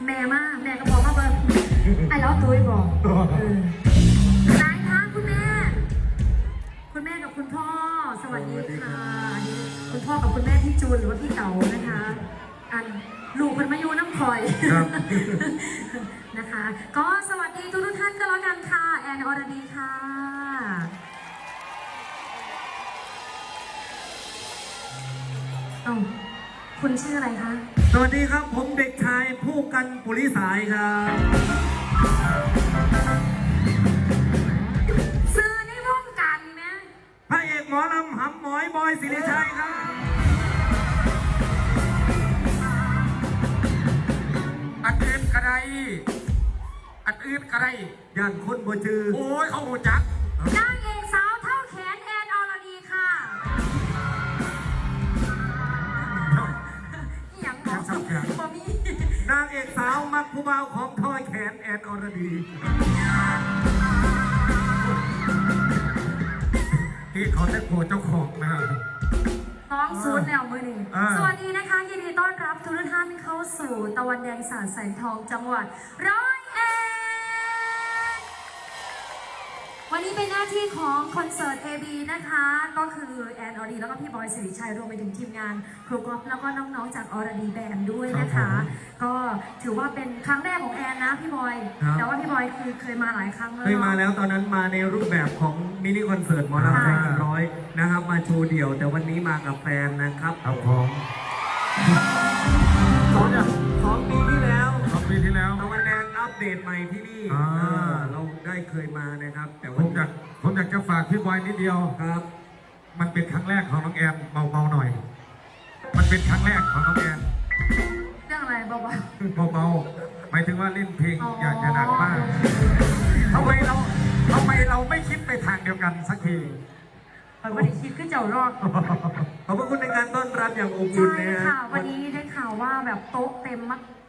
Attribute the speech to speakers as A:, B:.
A: แม่มากแม่ก็บอกมาเบิร์ ไอ้แล้วตุ้ยบอกนายคะคุณแม่กับคุณพ่อสวัสดีค่ะคุณพ่อกับคุณแม่พี่จูนหรือว่าพี่เต๋านะคะอันลูกเป็นมายูน้ำคอยนะคะก็สวัสดีทุกท่านก็แล้วกันค่ะแอนอรดีค่ะคุณชื่ออะไรคะ
B: สวัสดีครับผมเด็กชายผู้กันปุริสายครับ
A: ซื้อในวงการไหม
B: พระเอกหมอลำหำหมอยบอยศิริชัยครับ
C: อันอื่นกระไร
B: ย่านคนบ่จือ
C: โอ้ยเขาหูจัก
A: นางเอกสาวเท่าแขนแอนอรดีค่ะอย่างหมอมี
B: นางเอกสาวมักผู้บ่าวของทอยแขนแอนอรดี
C: ที่เขาได้โผล่เจ้าของนะครับ
A: น้องซูนแนวมือหนึ่งสวัสดีนะคะยินดีต้อนรับทุกท่านเข้าสู่ตะวันแดงสาดแสงทองจังหวัด101วันนี้เป็นหน้าที่ของคอนเสิร์ต AB นะคะก็คือแอนอรดีแล้วก็พี่บอยสิริชัยรวมไปถึงทีมงานครูกอล์ฟแล้วก็น้องๆจากอรดีแบนด์ด้วยนะคะก็ถือว่าเป็นครั้งแรกของแอนนะพี่บอยแต่ว่าพี่บอยคือเคยมาหลายครั้งแล้ว
B: เคยมาแล้วตอนนั้นมาในรูปแบบของมินิคอนเสิร์ตหมอลำเพลง100นะครับมาโชว์เดี่ยวแต่วันนี้มากับแฟนนะครับ
C: เอาของ
B: 2 ปีที่แล้ว
C: ต
B: ะวันแดงอัปเดตใหม่ที่นี่เราได้เคยมานะครับแต่
C: ผมอยากจะฝากพี่บอยนิดเดียว
B: ครับ
C: มันเป็นครั้งแรกของน้องแอนเบาๆหน่อยมันเป็นครั้งแรกของน้องแอน
A: เรื่องอะไรเบา
C: หมายถึงว่าเล่นเพลงอย่าหนักมากทำไมเราไม่คิดไปทางเดียวกันสักที
A: วันนี้คิดขึ้นเจ้ารอด
B: ขอบคุณในการต้อนรับอย่างอบอุ่น
A: ใช่ค่ะวันนี้ได้ข่าวว่าแบบโต๊ะเต็ม